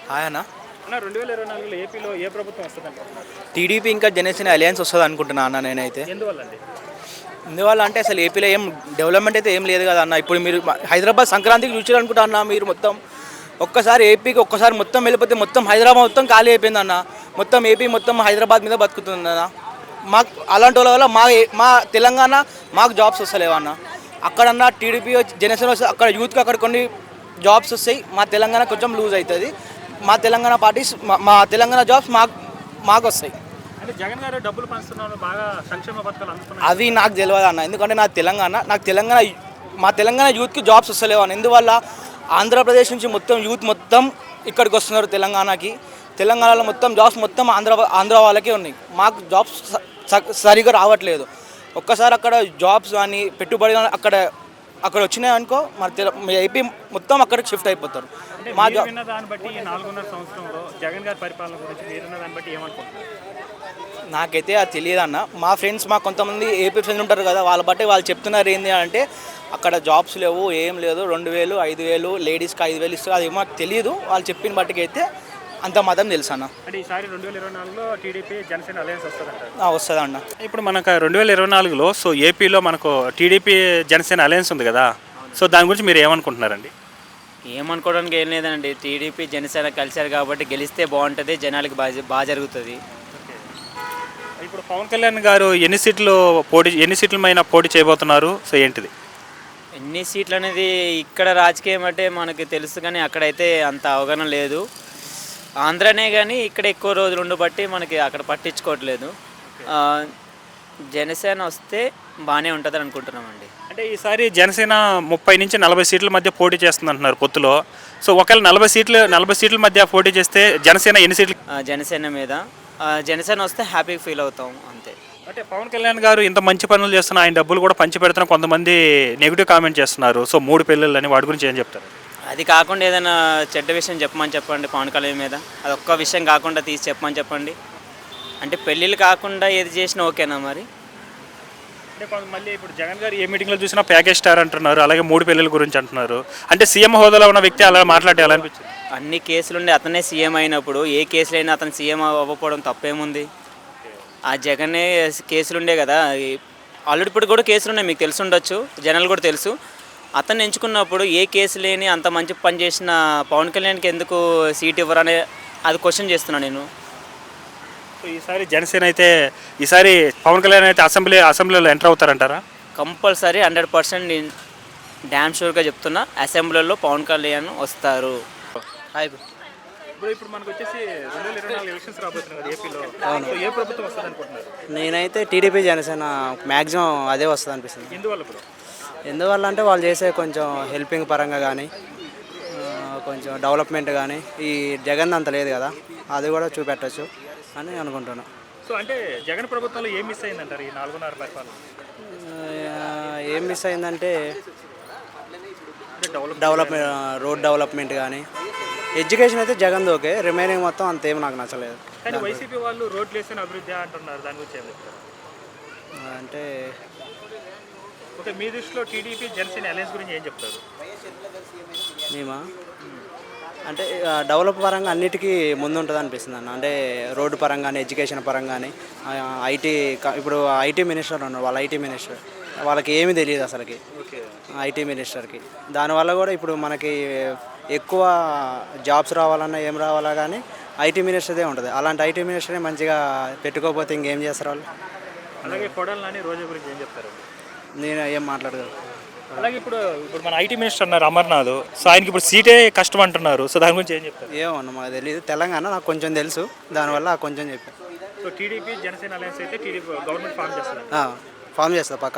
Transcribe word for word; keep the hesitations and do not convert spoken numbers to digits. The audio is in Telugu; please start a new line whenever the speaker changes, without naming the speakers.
ఆయన
అన్న రెండు వేల ఇరవై నాలుగులో ఏపీలో ఏ ప్రభుత్వం వస్తుంది అనుకుంటున్నారు?
టీడీపీ ఇంకా జనసేన అలయన్స్ వస్తుంది అనుకుంటున్నా అన్న నేనైతే.
ఎందువల్ల అండి?
ఇందువల్ల అంటే అసలు ఏపీలో ఏం డెవలప్మెంట్ అయితే ఏం లేదు కదా అన్న. ఇప్పుడు మీరు హైదరాబాద్ సంక్రాంతికి చూసారనుకుంటా అన్న మీరు మొత్తం ఒక్కసారి ఏపీకి ఒక్కసారి మొత్తం వెళ్ళిపోతే మొత్తం హైదరాబాద్ మొత్తం ఖాళీ అయిపోయింది అన్న. మొత్తం ఏపీ మొత్తం హైదరాబాద్ మీద బతుకుతుంది అన్న. మాకు అలాంటి వాళ్ళ వల్ల మా మా తెలంగాణ మాకు జాబ్స్ వస్తలేవు అన్న. అక్కడన్నా టీడీపీ జనసేన వస్తే అక్కడ యూత్కి అక్కడ కొన్ని జాబ్స్ వస్తాయి. మా తెలంగాణ కొంచెం లూజ్ అవుతుంది. మా తెలంగాణ పార్టీస్ మా తెలంగాణ జాబ్స్ మాకు మాకు వస్తాయి.
అంటే జగన్ గారు డబ్బులు పంచుతున్నారు, బాగా సంక్షేమ పథకాలు అందుతున్నాయి.
అది నాకు తెలియదు అన్న. ఎందుకంటే నా తెలంగాణ నాకు తెలంగాణ మా తెలంగాణ యూత్కి జాబ్స్ వస్తలేవు అన్న. ఎందువల్ల ఆంధ్రప్రదేశ్ నుంచి మొత్తం యూత్ మొత్తం ఇక్కడికి వస్తున్నారు తెలంగాణకి. తెలంగాణలో మొత్తం జాబ్స్ మొత్తం ఆంధ్ర ఆంధ్ర వాళ్ళకే ఉన్నాయి. మాకు జాబ్స్ సరిగా రావట్లేదు. ఒక్కసారి అక్కడ జాబ్స్ కానీ పెట్టుబడి అక్కడ అక్కడ వచ్చినాయి అనుకో మన ఏపీ మొత్తం అక్కడికి షిఫ్ట్ అయిపోతారు.
మా జాబ్ దాన్ని బట్టి ఈ నాలుగున్నర సంవత్సరంలో జగన్ గారి పరిపాలన గురించి మీరున్న దాన్ని బట్టి ఏమనుకుంటున్నారు?
నాకైతే అది తెలియదు అన్న. మా ఫ్రెండ్స్ మా కొంతమంది ఏపీ ఫ్రెండ్స్ ఉంటారు కదా, వాళ్ళ బట్టి వాళ్ళు చెప్తున్నారు ఏంటి అంటే అక్కడ జాబ్స్ లేవు, ఏం లేదు, రెండు వేలు ఐదు వేలు లేడీస్కి ఐదు వేలు ఇస్తారు. అది మాకు తెలియదు. వాళ్ళు చెప్పిన బట్టికి అయితే అంత మాత్రం తెలుసు అన్న.
అంటే ఈసారి రెండు వేల ఇరవై నాలుగులో టీడీపీ జనసేన అలయన్స్ వస్తుందంట.
వస్తుంది అన్న.
ఇప్పుడు మనకు రెండు వేల ఇరవై నాలుగులో సో ఏపీలో మనకు టీడీపీ జనసేన అలయన్స్ ఉంది కదా, సో దాని గురించి మీరు ఏమనుకుంటున్నారండి?
ఏమనుకోవడానికి ఏం లేదండి. టీడీపీ జనసేన కలిశారు కాబట్టి గెలిస్తే బాగుంటుంది, జనాలకి బాగా బాగా జరుగుతుంది.
ఇప్పుడు పవన్ కళ్యాణ్ గారు ఎన్ని సీట్లు పోటీ ఎన్ని సీట్ల పైన పోటీ చేయబోతున్నారు? సో ఏంటిది
ఎన్ని సీట్లు అనేది ఇక్కడ రాజకీయం అంటే మనకి తెలుసు, కానీ అక్కడైతే అంత అవగాహన లేదు. ఆంధ్రనే కానీ ఇక్కడ ఎక్కువ రోజులు ఉండబట్టి మనకి అక్కడ పట్టించుకోవట్లేదు. జనసేన వస్తే బాగానే ఉంటుందని అనుకుంటున్నామండి.
అంటే ఈసారి జనసేన ముప్పై నుంచి నలభై సీట్ల మధ్య పోటీ చేస్తుంది అంటున్నారు పొత్తులో. సో ఒకవేళ నలభై సీట్లు నలభై సీట్ల మధ్య పోటీ చేస్తే జనసేన ఎన్ని సీట్లు?
జనసేన మీద జనసేన వస్తే హ్యాపీగా ఫీల్ అవుతాం అంతే.
అంటే పవన్ కళ్యాణ్ గారు ఇంత మంచి పనులు చేస్తున్న ఆయన డబ్బులు కూడా పంచి పెడుతున్న కొంతమంది నెగిటివ్ కామెంట్ చేస్తున్నారు. సో మూడు పిల్లలు అని వాటి గురించి ఏం చెప్తారు?
అది కాకుండా ఏదైనా చెడ్డ విషయం చెప్పమని చెప్పండి పవన్ కళ్యాణ్ మీద. అది ఒక్క విషయం కాకుండా తీసి చెప్పమని చెప్పండి. అంటే పెళ్ళిళ్ళు కాకుండా ఏది చేసినా ఓకేనా మరి?
అంటే మళ్ళీ ఇప్పుడు జగన్ గారు ఏ మీటింగ్లో చూసినా ప్యాకేజ్ స్టార్ అంటున్నారు, అలాగే మూడు పెళ్ళిళ్ళ గురించి అంటున్నారు. అంటే సీఎం హోదాలో ఉన్న వ్యక్తి అలా మాట్లాడే ఎలా అనిపించింది?
అన్ని కేసులుండి అతనే సీఎం అయినప్పుడు ఏ కేసులైనా అతను సీఎం అవ్వకపోవడం తప్పేముంది? ఆ జగనే కేసులుండే కదా, ఆల్రెడీ ఇప్పుడు కూడా కేసులు ఉన్నాయి, మీకు తెలిసి ఉండొచ్చు, జనాలు కూడా తెలుసు. అతను ఎంచుకున్నప్పుడు ఏ కేసు లేని అంత మంచి పని చేసిన పవన్ కళ్యాణ్కి ఎందుకు సీట్ ఇవ్వరనే అది క్వశ్చన్ చేస్తున్నాను నేను.
సో ఈసారి జనసేన అయితే ఈసారి పవన్ కళ్యాణ్ అయితే అసెంబ్లీ అసెంబ్లీలో ఎంటర్ అవుతారంటారా?
కంపల్సరీ హండ్రెడ్ పర్సెంట్ నేను డ్యామ్ షూర్గా చెప్తున్నా, అసెంబ్లీలో పవన్ కళ్యాణ్ వస్తారు.
ఇప్పుడు ఇప్పుడు మనకు వచ్చేసి రెండు వేల ఇరవై నాలుగు ఎలక్షన్స్ రాబోతున్నాయి కదా ఏపీలో. సో ఏ ప్రభుత్వం వస్తుంది అనుకుంటున్నారు?
నేనైతే టీడీపీ జనసేన మ్యాక్సిమం అదే వస్తుంది అనిపిస్తుంది.
ఎందువల్ల ఇప్పుడు?
ఎందువల్ల అంటే వాళ్ళు చేసే కొంచెం హెల్పింగ్ పరంగా కానీ కొంచెం డెవలప్మెంట్ కానీ ఈ జగన్ అంత లేదు కదా, అది కూడా చూపెట్టచ్చు అని అనుకుంటున్నాను.
సో అంటే జగన్ ప్రభుత్వంలో ఏం మిస్ అయిందంటారు ఈ నాలుగున్నర పరిపాలన?
ఏం మిస్ అయిందంటే డెవలప్మెంట్, రోడ్ డెవలప్మెంట్ కానీ ఎడ్యుకేషన్ అయితే జగన్ ఓకే, రిమైనింగ్ మొత్తం అంతేం నాకు నచ్చలేదు.
కానీ వైసీపీ వాళ్ళు రోడ్లు వేసిన అభివృద్ధి అంటున్నారు, దాని గురించి ఏం చెప్తారు?
అంటే
ఓకే, మీ దృష్టిలో టీడీపీ జనసేన అలయన్స్ గురించి ఏం చెప్తారు?
మేమా అంటే డెవలప్ పరంగా అన్నిటికీ ముందు ఉంటుంది అనిపిస్తుంది అన్న. అంటే రోడ్డు పరంగానే, ఎడ్యుకేషన్ పరంగానే, ఐటీ ఇప్పుడు ఐటీ మినిస్టర్ ఉన్నారు, వాళ్ళ ఐటీ మినిస్టర్ వాళ్ళకి ఏమీ తెలియదు అసలుకి, ఐటీ మినిస్టర్కి. దానివల్ల కూడా ఇప్పుడు మనకి ఎక్కువ జాబ్స్ రావాలన్నా ఏం రావాలా కానీ ఐటీ మినిస్టర్దే ఉంటుంది. అలాంటి ఐటీ మినిస్టరే మంచిగా పెట్టుకోకపోతే ఇంకేం చేస్తారు వాళ్ళు?
అలాగే కొడాలి నాని రోజా గురించి ఏం చెప్తారు?
నేను ఏం మాట్లాడగలను.
అలాగే ఇప్పుడు ఇప్పుడు మన ఐటీ మినిస్టర్ అన్నారు అమర్నాథ్, సో ఆయనకి ఇప్పుడు సీటే కష్టం అంటున్నారు, సో దాని గురించి ఏం చెప్తారు?
ఏమన్నా మాకు తెలియదు, తెలంగాణ నాకు కొంచెం తెలుసు, దానివల్ల కొంచెం చెప్పాను.
సో టీడీపీ జనసేన అలయన్స్ అయితే టీడీపీ గవర్నమెంట్ ఫామ్ చేస్తారు,
ఫామ్ చేస్తా పక్క